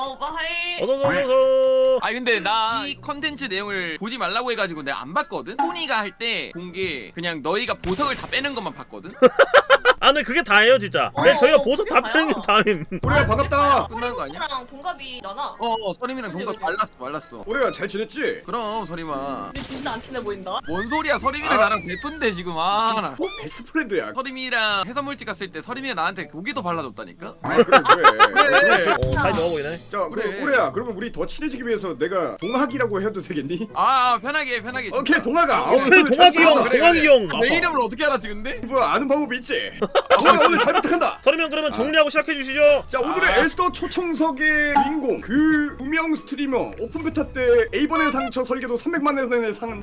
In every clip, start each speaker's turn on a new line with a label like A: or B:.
A: 오빠 하이.
B: 어서서서서.
C: 아 근데 나 이 컨텐츠 내용을 보지 말라고 해가지고 내가 안 봤거든? 토니가 할 때 본 게 그냥 너희가 보석을 다 빼는 것만 봤거든?
B: 아 근데 그게 다예요 진짜. 근데 저희가 보석 다 빼는 게 다임.
D: 우리야 반갑다.
C: 끝나는 거 아니야?
A: 서림이랑 동갑이잖아.
C: 서림이랑 동갑 말랐어.
D: 우리야 잘 지냈지?
C: 그럼 서림아.
A: 근데 진짜 안 친해 보인다.
C: 뭔 소리야, 서림이랑 나랑 베푼데 지금. 나
D: 베스트 프렌드야.
C: 서림이랑 해산물집 갔을 때 서림이가 나한테 고기도 발라줬다니까?
D: 아 그래.
C: 그래.
B: 사이 좋아 보이네.
D: 자
C: 그래.
D: 우리야 그러면 우리 더 친해지기 위해서 내가 동학이라고 해도 되겠니?
C: 편하게 진짜.
D: 오케이 동학아.
B: 오케이 동학이 형,
C: 그래,
B: 동학이 형.
C: 내 이름을 어떻게 알았지 근데?
D: 뭐 아는 방법 있지? 오늘 잘 부탁한다.
B: 서림 형 그러면 정리하고 시작해 주시죠.
D: 자 오늘의 엘스터 초청석의 주인공 그 유명 스트리머 오픈 베타 때 A번의 상처 설계도 300만 원의 상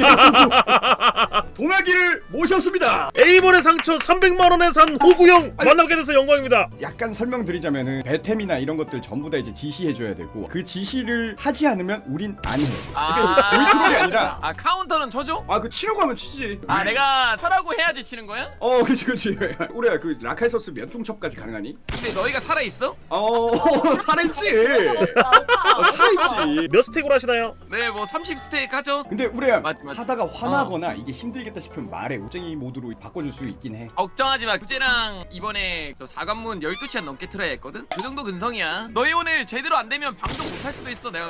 D: 동학이를 모셨습니다.
B: A번의 상처 300만 원에 산 호구 형 만나게 돼서 영광입니다.
D: 약간 설명드리자면은 배템이나 이런 것들 전부 다 이제 지시해줘야 되고 그 지시를 하지 않으면 우린 안 해. 이게 우리 트롤이 아니라
C: 카운터는 쳐줘?
D: 그 치려고 하면 치지.
C: 내가 쳐라고 해야지 치는 거야?
D: 그치. 우리야 그 라칼서스 몇 중첩까지 가능하니?
C: 근데 너희가 살아있어?
D: 살아있지. 살아있지.
B: 몇 스택으로 하시나요?
C: 네, 뭐 30스테이크 하죠?
D: 근데 우리야
C: 맞지.
D: 하다가 화나거나 이게 힘들겠다 싶으면 말해. 우쟁이 모드로 바꿔줄 수 있긴 해.
C: 걱정하지 마. 구제랑 이번에 저 4관문 12시간 넘게 틀어야 했거든? 그 정도 근성이야. 너희 오늘 제대로 안 되면 방송 못 할 수도 있어. 내가.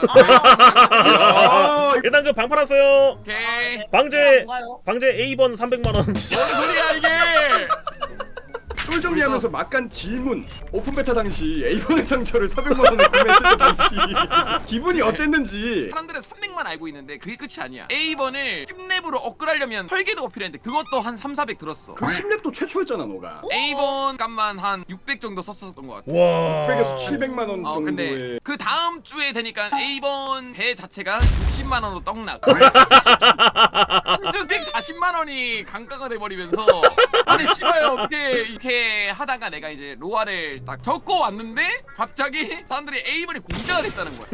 B: 일단 그 방 팔았어요.
C: 오케이.
B: 방제 A번 300만 원.
C: 뭔 소리야 이게?
D: 쫄 정리하면서 막간 질문. 오픈 베타 당시 A번의 상처를 400만 원에 구매했을 때 당시 기분이 어땠는지.
C: 사람들은 300만 알고 있는데 그게 끝이 아니야. A번을 10렙으로 업그레이드하려면 설계도가 필요했는데 그것도 한 3, 400 들었어.
D: 그 10렙도 최초였잖아 너가.
C: A번 값만 한 600 정도 썼었던 것 같아.
B: 와.
D: 600에서 700만 원 정도의.
C: 근데 그 다음 주에 되니까 A번 배 자체가 60만 원으로 떡락. 한주택 40만 원이 강가가 돼버리면서 아니 씨발 어떻게 이렇게 하다가 내가 이제 로아를 딱 적고 왔는데 갑자기 사람들이 A번이 공짜가 됐다는 거야.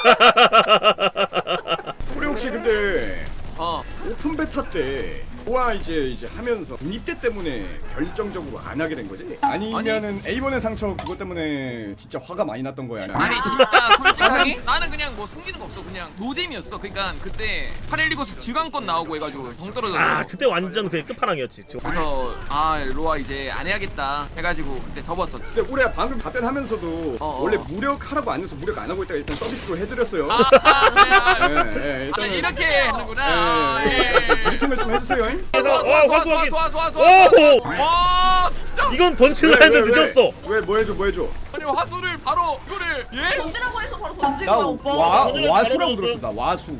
D: 우리 혹시 근데 오픈 베타 때 로아 이제 하면서 독립대 때문에 결정적으로 안 하게 된 거지? 아니면은 A번의 상처 그것 때문에 진짜 화가 많이 났던 거야?
C: 아니 진짜 솔직하게 나는 그냥 뭐 숨기는 거 없어. 그냥 노잼이었어. 그러니까 그때 파렐리고스 지강권 나오고 해가지고 정 떨어져서
B: 그때 완전 그게 끝판왕이었지.
C: 그래서 로아 이제 안 해야겠다 해가지고 그때 접었었지.
D: 근데 우리가 방금 답변하면서도 원래 무력하라고 안 해서 무력 안 하고 있다가 일단 서비스로 해드렸어요.
C: 그래.
D: 일단은
C: 이렇게 하는구나.
D: 브리핑을 좀 해주세요.
B: 화수 확인.
C: 와 진짜.
B: 이건 던질라 했는데 늦었어.
D: 뭐 해줘?
C: 아니 화수를 바로 이거를
A: 던지라고 해서 바로 던진
D: 나
A: 거야 오빠.
D: 와수라고 들었어. 나 와수.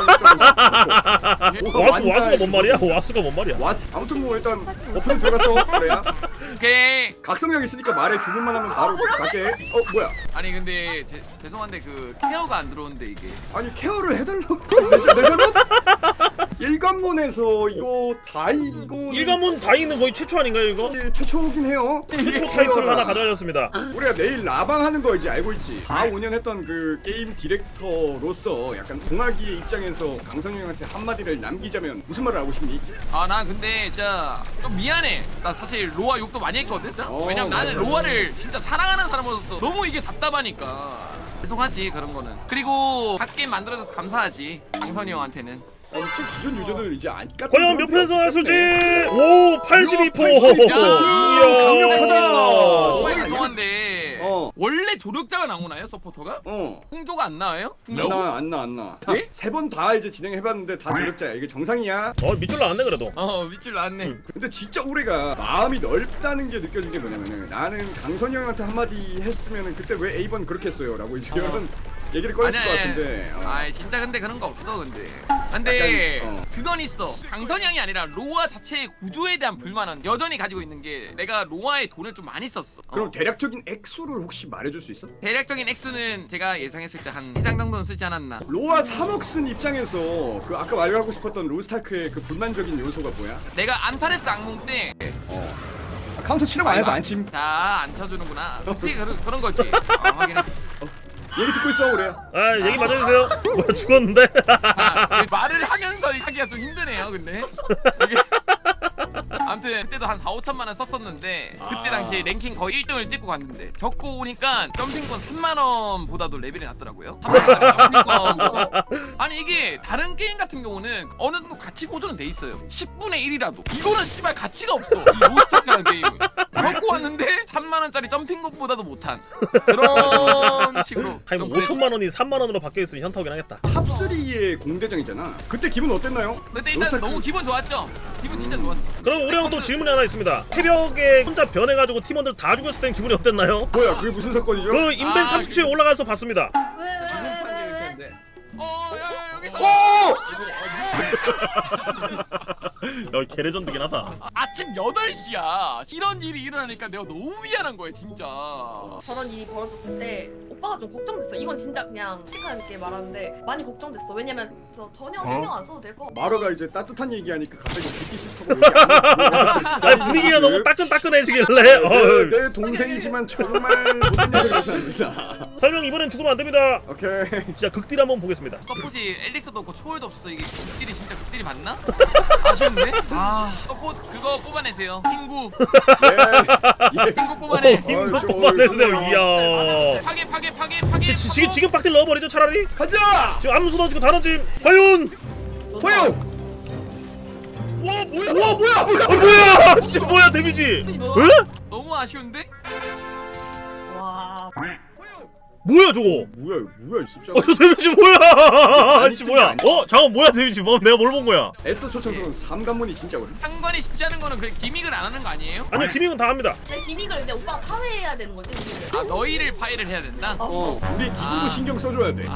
B: 와수가 뭔 말이야? 와수가 뭔 말이야?
D: 와수. 아무튼 뭐 일단 오픈 들어갔어. 그래야.
C: 오케이.
D: 각성력 있으니까 말해. 주문만 하면 바로 갈게. 뭐야?
C: 아니 근데 죄송한데 그 케어가 안 들어오는데 이게.
D: 아니 케어를 해달라고. 내 잘못? 일관문에서 이거
B: 일관문 다이는 거의 최초 아닌가요 이거?
D: 최초긴 해요.
B: 최초 타이틀을 하나 가져가셨습니다.
D: 우리가 내일 라방 하는 거 이제 알고 있지. 4, 5년 했던 그 게임 디렉터로서 약간 동학이의 입장에서 강선우 형한테 한마디를 남기자면 무슨 말을 하고 싶니?
C: 난 근데 진짜 좀 미안해. 나 사실 로아 욕도 많이 했거든. 진짜. 왜냐면 나는 로아를 진짜 사랑하는 사람으로서 너무 이게 답답하니까. 죄송하지 그런 거는. 그리고 갓게임 만들어줘서 감사하지 강선이 형한테는.
D: 엄청 기존 유저들 이제 안 깠던.
B: 과연 몇 편에서 나왔을지? 오 82%.
D: 강력하다.
C: 정말 죄송한데 원래 조력자가 나오나요 서포터가? 풍조가 안 나와요?
D: 안 나.
C: 예?
D: 세 번 다 이제 진행해봤는데 다 조력자야. 이게 정상이야.
B: 밑줄 나왔네 그래도.
C: 밑줄 나왔네.
D: 근데 진짜 우리가 마음이 넓다는 게 느껴진 게 뭐냐면은 나는 강선이 형한테 한마디 했으면은 그때 왜 A번 그렇게 했어요? 라고 이제 이런 얘기를 꺼냈을 것 같은데.
C: 진짜 근데 그런 거 없어 근데 그건 있어. 강선이 형이 아니라 로아 자체의 구조에 대한 불만은 여전히 가지고 있는 게 내가 로아의 돈을 좀 많이 썼어.
D: 그럼 대략적인 액수를 혹시 말해줄 수 있어?
C: 대략적인 액수는 제가 예상했을 때 한 2장 정도는 쓰지 않았나.
D: 로아 3억 쓴 입장에서 그 아까 말하고 싶었던 로스타크의 그 불만적인 요소가 뭐야?
C: 내가 안타레스 악몽 때
D: 카운터 치려고 안 해서 안 침.
C: 안 쳐주는구나. 어떻게 그런 거지. 확인했어.
D: 얘기 듣고 있어 그래.
B: 얘기 맞아주세요. 뭐야 죽었는데?
C: 말을 하면서 하기가 좀 힘드네요 근데 이게. 아무튼 아무튼 그때도 한 4, 5천만 원 썼었는데 그때
D: 아.
C: 당시에 랭킹 거의 1등을 찍고 갔는데 적고 오니까 점핑권 3만 원보다도 레벨이 낮더라고요. 3만 원짜리 점핑권보다. 아니 이게 다른 게임 같은 경우는 어느 정도 가치 보존은 돼 있어요. 10분의 1이라도. 이거는 씨발 가치가 없어. 이 로스트라는 게임은. 적고 왔는데 3만 원짜리 점핑권보다도 못한 그런 식으로.
B: 아니 뭐 5천만 원이 3만 원으로 바뀌어 있으면 현타오긴 하겠다.
D: 탑3의 공대장이잖아. 그때 기분 어땠나요?
C: 근데 일단
D: 로스타크-
C: 너무 기분 좋았죠. 기분 진짜 좋았어.
B: 그럼 우리 형 또 질문이 하나 있습니다. 새벽에 혼자 변해가지고 팀원들 다 죽였을 땐 기분이 어땠나요?
D: 뭐야 그게 무슨 사건이죠?
B: 그 인벤
C: 아,
B: 30초에 올라가서 봤습니다.
C: 야, 여기서
B: 야 개레전드긴 하다.
C: 아침 8시야. 이런 일이 일어나니까 내가 너무 미안한 거야 진짜.
A: 저런 일이 벌어졌을 때 오빠가 좀 걱정됐어. 이건 진짜 그냥 솔직하게 이렇게 말하는데 많이 걱정됐어. 왜냐면 저 전혀 신경 안 써도 될 거.
D: 마러가 이제 따뜻한 얘기하니까 갑자기 듣기 싫다고 얘기 안
B: 아니 분위기가 너무 따끈따끈해지길래 어휴.
D: 내 동생이지만 정말 못된 얘기를 해서 합니다.
B: 설명 이번엔 죽으면 안 됩니다.
D: 오케이.
B: 진짜 극딜 한번 보겠습니다.
C: 서폿이 엘릭서도 없고 초월도 없어서 이게 극딜이 진짜 극딜이 맞나? 아쉬운데? 서폿 그거 뽑아내세요. 핑구
D: 예.
C: 핑구 뽑아내.
B: 힘도
D: 저-
B: 뽑아내세요.
D: 저-
B: 이야.
C: 파괴
B: 지금 빡딜 넣어버리죠 차라리.
D: 가자.
B: 지금 암수 던지고 다 던짐. 과연.
D: 호영. 와 뭐야? 와 뭐야?
B: 뭐야? 진짜 뭐야 데미지? 에?
C: 너무 아쉬운데?
A: 와.
B: 뭐야 저거?
D: 뭐야 진짜.
B: 저 데미지 뭐야? 씨 뭐야? 잠깐 뭐야 데미지? 뭐 내가 뭘 본 거야?
D: 에스더 초청석은 삼관문이 진짜 어려.
C: 상관이 쉽지 않은 거는 그 기믹을 안 하는 거 아니에요?
B: 아니요 기믹은 다 합니다.
A: 근데 기믹을 이제 오빠가 파괴해야 되는 거지. 기믹을.
C: 아 너희를 파괴를 해야 된다?
D: 우리 기분도
C: 아.
D: 신경 써줘야 돼.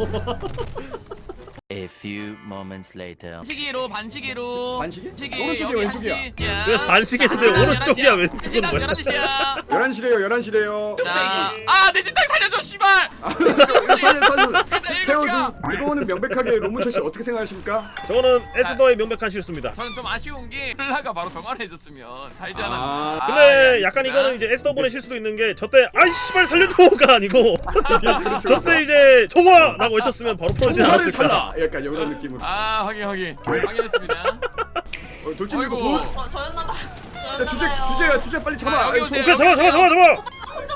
E: A few moments later.
C: 반시계로
D: 반시계?
C: 반시계
D: 오른쪽이야,
C: 여기
D: 왼쪽이야?
C: 한시.
B: 왜 반시계인데 오른쪽이야 왼쪽은 뭐야?
C: 11시야
D: 11시래요.
C: 자내 진탕 살려줘 씨발.
D: 살려. 태워준
C: 일곱이야.
D: 이거는 명백하게 로문철 씨 어떻게 생각하십니까?
B: 저거는 에스더의 명백한 실수입니다.
C: 저는 좀 아쉬운 게 플라가 바로 정화해줬으면 살지 않았나.
D: 아,
B: 근데 약간 이거는 이제 에스더분의 실수도 있는 게 저때 아이 씨발 살려줘가 아니고 저때 이제 정화라고 외쳤으면 바로 풀어지지
D: 정화를
B: 않았을까.
D: 탈라. 약간 이런 느낌으로.
C: 아 확인했습니다.
D: 돌진이도
C: 아이고.
D: 굿.
A: 저였나봐.
D: 야 주제 빨리 잡아.
C: 여기
D: 아이,
C: 오세요.
B: 오케이 잡아.
A: 손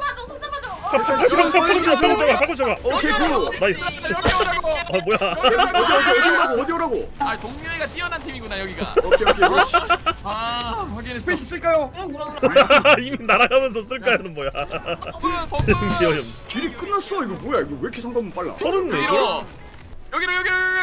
A: 잡아줘.
B: 방금 잡아.
D: 오케이 굿.
B: 나이스.
C: 여기 오라고.
B: 뭐야?
D: 어디 오라고?
C: 아 동료애가 뛰어난 팀이구나 여기가.
D: 오케이 그렇지.
C: 아 확인했어.
D: 스페이스 쓸까요?
B: 이미 날아가면서 쓸까요는 뭐야? 기어염.
D: 딜이 끝났어. 이거 뭐야? 이거 왜 이렇게 상관문 빨라?
B: 34개?
C: 여기로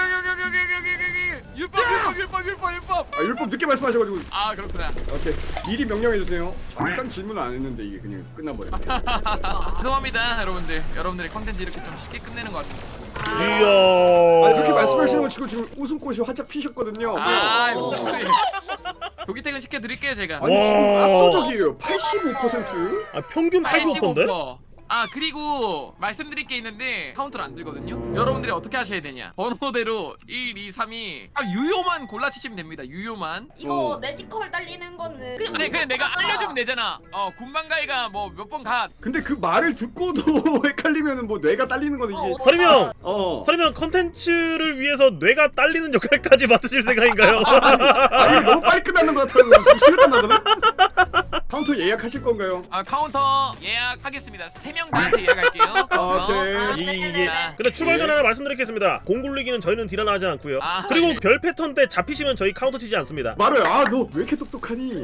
C: 율법.
D: 아 율법 늦게 말씀하셔가지고.
C: 아 그렇구나.
D: 오케이 미리 명령해 주세요. 잠깐 질문 안 했는데 이게 그냥 끝나버렸네.
C: 죄송합니다 여러분들의 컨텐츠 이렇게 좀 쉽게 끝내는 것 같아요.
B: 이야.
D: 아 그렇게 말씀하시는 거 치고 지금 웃음꽃이 활짝 피셨거든요.
C: 아 이거 무슨 소리. 조기 퇴근 시켜드릴게요 제가.
D: 아니 지금
B: 와.
D: 압도적이에요. 85%.
B: 아, 평균 85%인데?
C: 아 그리고 말씀드릴 게 있는데 카운터를 안 들거든요. 여러분들이 어떻게 하셔야 되냐 번호대로 1, 2, 3이 유효만 골라치시면 됩니다. 유효만.
A: 이거 내지컬 딸리는 거는
C: 그냥 내가 알려주면 되잖아. 군방가이가 뭐 몇 번 가.
D: 근데 그 말을 듣고도 헷갈리면은 뭐 뇌가 딸리는 거는 이게.
B: 서리명!
D: 어.
B: 서리명 컨텐츠를 위해서 뇌가 딸리는 역할까지 맡으실 생각인가요?
D: 아 이거 너무 빨리 끝나는 것 같아서 지금 시간 나거든. 카운터 예약하실 건가요?
C: 카운터 예약하겠습니다. 3명 다한테 예약할게요.
D: 오케이.
B: 이게 근데 출발 전에 하나 말씀드리겠습니다. 공 굴리기는 저희는 딜하나 하지 않고요.
C: 아,
B: 그리고
C: 예.
B: 별 패턴 때 잡히시면 저희 카운터 치지 않습니다.
D: 말해. 너 왜 이렇게 똑똑하니?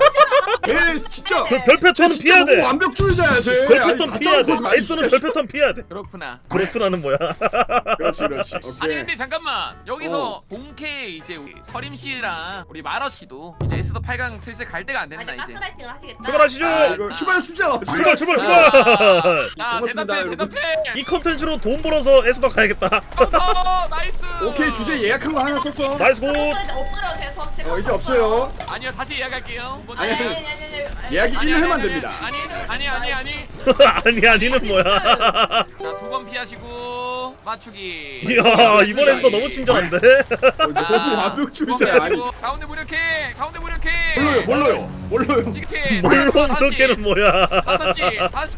D: 얘 진짜.
B: 그 별 패턴은 피해야 돼.
D: 너무 완벽주의자야 쟤.
B: 별
D: 아니,
B: 패턴
D: 가짜
B: 피해야 돼.
D: 거짓말. 아니,
B: 에이스는
D: 진짜.
B: 별 패턴 피해야 돼.
C: 그렇구나.
B: 그렇구나는 뭐야?
D: 그렇지.
C: 아니
D: 오케이.
C: 근데 잠깐만 여기서 본캐 이제 우리 서림 씨랑 우리 마러 씨도 이제 에스더 8강 슬슬 갈 때가 안 됐나
A: 아니
C: 이제.
A: 가스라이팅을 하시겠다.
B: 출발하시죠.
D: 이거 출발하십시오.
B: 출발.
C: 자
D: 고맙습니다,
C: 대답해
D: 여러분.
C: 대답해.
B: 이 컨텐츠로 돈 벌어서 에스더 가야겠다.
C: 나이스.
D: 오케이 주제 예약한 거 하나 썼어.
B: 나이스 굿.
A: 이제 없어요. 제가
D: 이제 없어요.
C: 아니요 다시 예약할게요.
D: 아니,
A: 아니.
D: 예약이 1회 만 됩니다.
C: 아니.
B: 아니는 뭐야?
C: 자 2번 피하시고 맞추기.
B: 이야 이번 에스더 너무 친절한데?
D: 너무 완벽주의자야. 아니.
C: 가운데 무력해.
D: 몰라요.
C: 지금
B: 뭘로 그렇게는 뭐야?
C: 5시 다시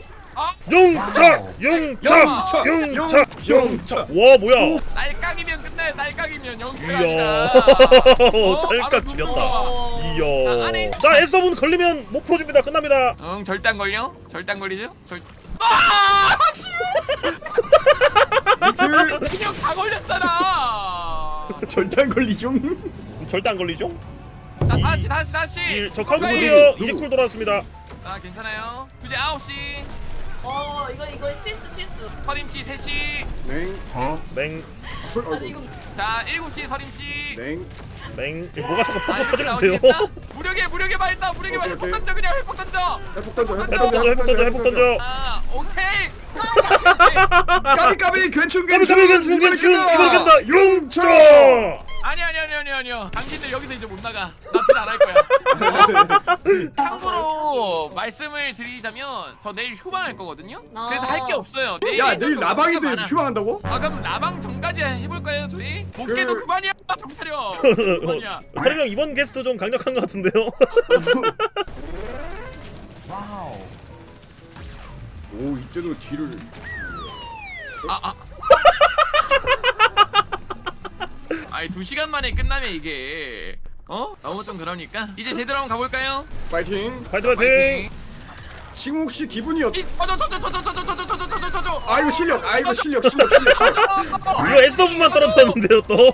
B: 용차.
D: 영차.
B: 와 뭐야?
C: 날깡이면 맨날 딸깍이면 영웅이
B: 이야.
C: 아니라.
B: 딸깍 지렸다.
C: 자, 안에
B: 이야. 자 에스더분 걸리면 못 풀어줍니다. 끝납니다.
C: 응, 절대 안 걸려? 절대 안 걸리죠?
D: 미트
C: 그냥 다 걸렸잖아.
D: 절대 안 걸리죠.
B: 절대 안 걸리죠?
C: 자, 다시.
B: 저 카운트풀이요. 이제 쿨 돌아왔습니다.
C: 아, 괜찮아요. 이제 9시,
A: 이거 실수.
C: 서림씨 3시.
D: 냉.
B: 맹.
A: 아니 이거
C: 자, 7시 서림씨.
D: 냉.
B: 맹. 뭐가 자꾸
C: 아,
B: 퍽퍽
C: 이렇게
B: 터지는데요?
C: 나오시겠다? 무력에 말다. 무력에 말.
D: 오케이,
C: 회복 던져 그냥 회복 던져.
D: 회복 던져.
B: 회복 던져.
C: 아, 오케이.
D: 까비 괜춘
B: 까비 괜춘 이번에 간다. 용초.
C: 아니요. 당신들 여기서 이제 못 나가. 나필 안 할 거야. 참고로 말씀을 드리자면 저 내일 휴방할 거거든요. 그래서 할 게 없어요.
D: 야 내일
C: 좀
D: 라방인데
C: 많아.
D: 휴방한다고?
C: 아 그럼 라방 전까지 해볼까요 저희? 복귀도 그만이야 정차려. 그만이야.
B: 서림 형 이번 게스트 좀 강력한 것 같은데요?
D: 오 이때도 뒤를.
C: 아니 2시간 만에 끝나면 이게 너무 좀 그러니까 이제 제대로 한번 가볼까요?
D: 파이팅.
B: 파이팅.
D: 지금 혹시 기분이 어떠?
C: 터져.
D: 아 이거 실력. 실력.
B: 이거 에스더분만 떨어졌는데요 또.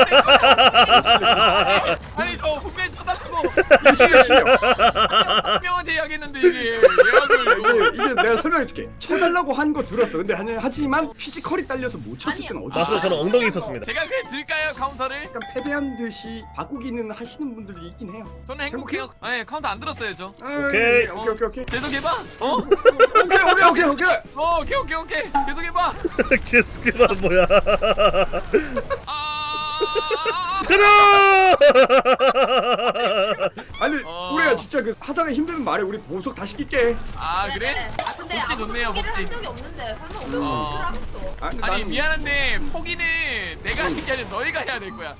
C: 아니 저 분명히 쳐달라고
D: 이게 실력.
C: 분명한테 이야기했는데 이게 예약을
D: 이게 내가 설명해줄게. 쳐달라고 한 거 들었어. 근데 하지만 피지컬이 딸려서 못 쳤을 때는 어쩔 수
B: 맞아요.
D: 없어.
B: 저는 엉덩이 있었습니다.
C: 제가 그냥 드릴까요 카운터를?
D: 약간 패배한 듯이 바꾸기는 하시는 분들이 있긴 해요.
C: 저는 행복해요. 네 카운터 안 들었어요 저.
B: 오케이.
D: 오케이.
C: 계속해봐.
D: 오케이.
C: 계속해봐.
B: 게스트가 뭐야? 그래!
D: 아니 우리가 진짜 그 하다가 힘들면 말해. 우리 보석 다시 낄게.
C: 아 그래?
A: 근데
C: 복지 좋네요,
A: 포기를
C: 복지.
A: 한 적이 없는데 설마 우리가
C: 어.
A: 포기를 하겠어.
C: 아니 미안한데 포기는 내가 하는 게 아니라 너희가 해야 될 거야.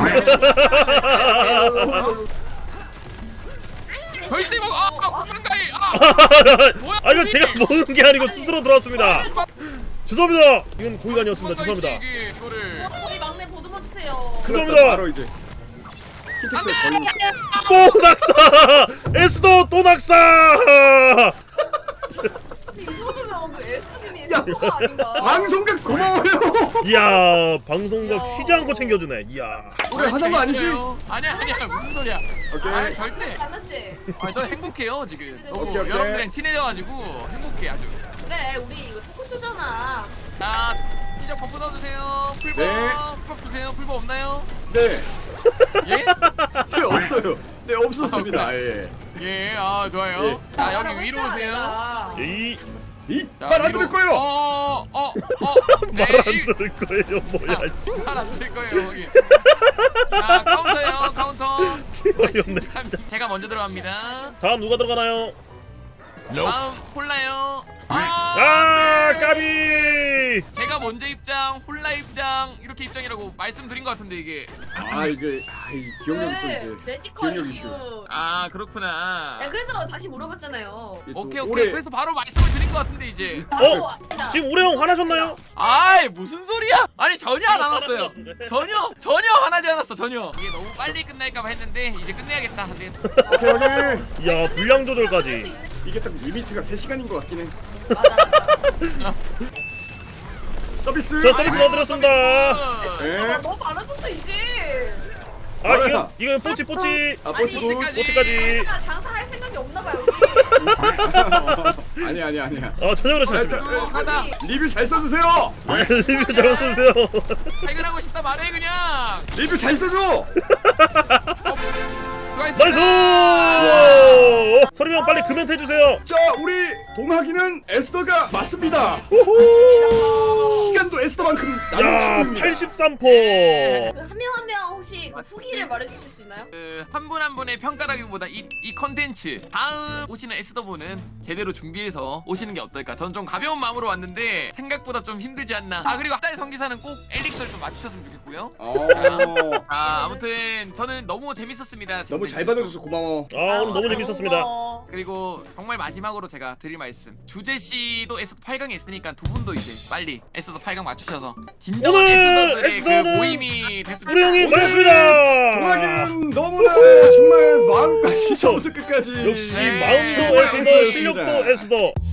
C: 절대 먹어. 공간가이. 뭐야?
B: 아 이거 제가 먹은 게 아니고 스스로 들어왔습니다. 죄송합니다. 이건 고의가 아니었습니다. 죄송합니다.
C: 이거를.
A: 우리 막내 보듬어 주세요.
B: 죄송합니다.
D: 바로 이제 킨텍스에 걸린.
B: 또 낙사! 에스더 또 낙사!
A: 이 정도면 그 에스님이
D: 야,
A: 에스가 아닌가?
D: 방송각 고마워요.
B: 이야 방송각 쉬지 않고 챙겨주네. 이야.
D: 우리 하는 거 아니지?
C: 아니야 무슨 소리야?
D: 오케이.
C: 아 절대.
A: 잘났지?
C: 저 행복해요 지금. 너무
D: 오케이.
C: 여러분들이랑 친해져가지고 행복해 아주.
A: 그래 우리 이거 토크쇼잖아.
C: 자 이제 버프 넣어주세요. 풀버.
D: 네.
C: 풀버 주세요. 풀버 없나요?
D: 네.
C: 예?
D: 네 없어요. 네 없었습니다. 예.
C: 예. 아 좋아요.
D: 예.
C: 자 여기 위로 오세요.
B: 이
D: 이말 안 들을 거예요.
C: 네.
B: 말 안 들을 거예요. 뭐야?
C: 말안 들을 거예요 여기. 자 카운터요 카운터.
B: 어이없네
C: 참, 제가 먼저 들어갑니다.
B: 다음 누가 들어가나요?
C: 다음 홀라요.
B: 아 까비!
C: 제가 먼저 입장, 홀라 입장 이렇게 입장이라고 말씀드린 것 같은데 이게.
D: 이게 이 기억력이 또 이제
A: 매지컬
D: 기억력
A: 이슈.
D: 이슈.
C: 아 그렇구나.
A: 야 그래서 다시 물어봤잖아요.
D: 이게 또
C: 오케이.
D: 올해
C: 그래서 바로 말씀을 드린 것 같은데 이제.
B: 지금 우리 형 화나셨나요?
C: 아이 무슨 소리야? 아니 전혀 안 화났어요. 전혀 화나지 않았어 전혀. 이게 너무 빨리 끝날까봐 했는데 이제 끝내야겠다. 근데
D: 오케이.
B: 이야 분량 조절까지.
D: 이게 딱 리미트가 3시간인 것 같긴 해.
A: 맞아.
D: 서비스.
B: 저 서비스 넣어드렸습니다.
D: 네.
A: 너무 많아졌어 이제.
B: 아 이거 뽀찌.
D: 아 뽀치 굿.
B: 뽀찌까지.
A: 장사할 생각이 없나봐 여기.
D: 아니야.
B: 전혀 그렇지
D: 아,
B: 않습니다.
C: 하다.
D: 리뷰 잘 써주세요.
B: 리뷰 잘 써주세요.
C: 퇴근하고 싶다 말해 그냥.
D: 리뷰 잘 써줘.
B: 나이스! 서림 형 빨리 금연태 해주세요.
D: 자 우리 동학이는 에스더가 맞습니다. 시간도 에스더만큼
B: 야
D: 나는 친구입니다.
B: 83포.
A: 한 명 한 명 혹시 그 후기를 말해주실 수 있나요?
C: 그 한 분 한 분의 평가라기보다 이 컨텐츠 다음 오시는 SW는 제대로 준비해서 오시는 게 어떨까. 전 좀 가벼운 마음으로 왔는데 생각보다 좀 힘들지 않나. 아 그리고 앞달 성기사는 꼭 엘릭서를 좀 맞추셨으면 좋겠고요. 아무튼 저는 너무 재밌었습니다.
D: 너무 잘 받아줘서 고마워.
B: 아 오늘 너무 재밌었습니다.
A: 고마워.
C: 그리고 정말 마지막으로 제가 드릴 말씀. 주재 씨도 에스더 8강에 있으니까 두 분도 이제 빨리 에스더 8강 맞추셔서 진정한
B: 오늘
C: 에스더들의 그
B: 에스더는
C: 모임이 됐습니다.
B: 우리 형이 맞았습니다.
D: 동학이는 너무나 정말 마음까지 처음부터 끝까지
B: 역시
C: 네.
B: 마음도
C: 정말
B: 에스더,
D: 에스더였습니다.
B: 실력도 에스더.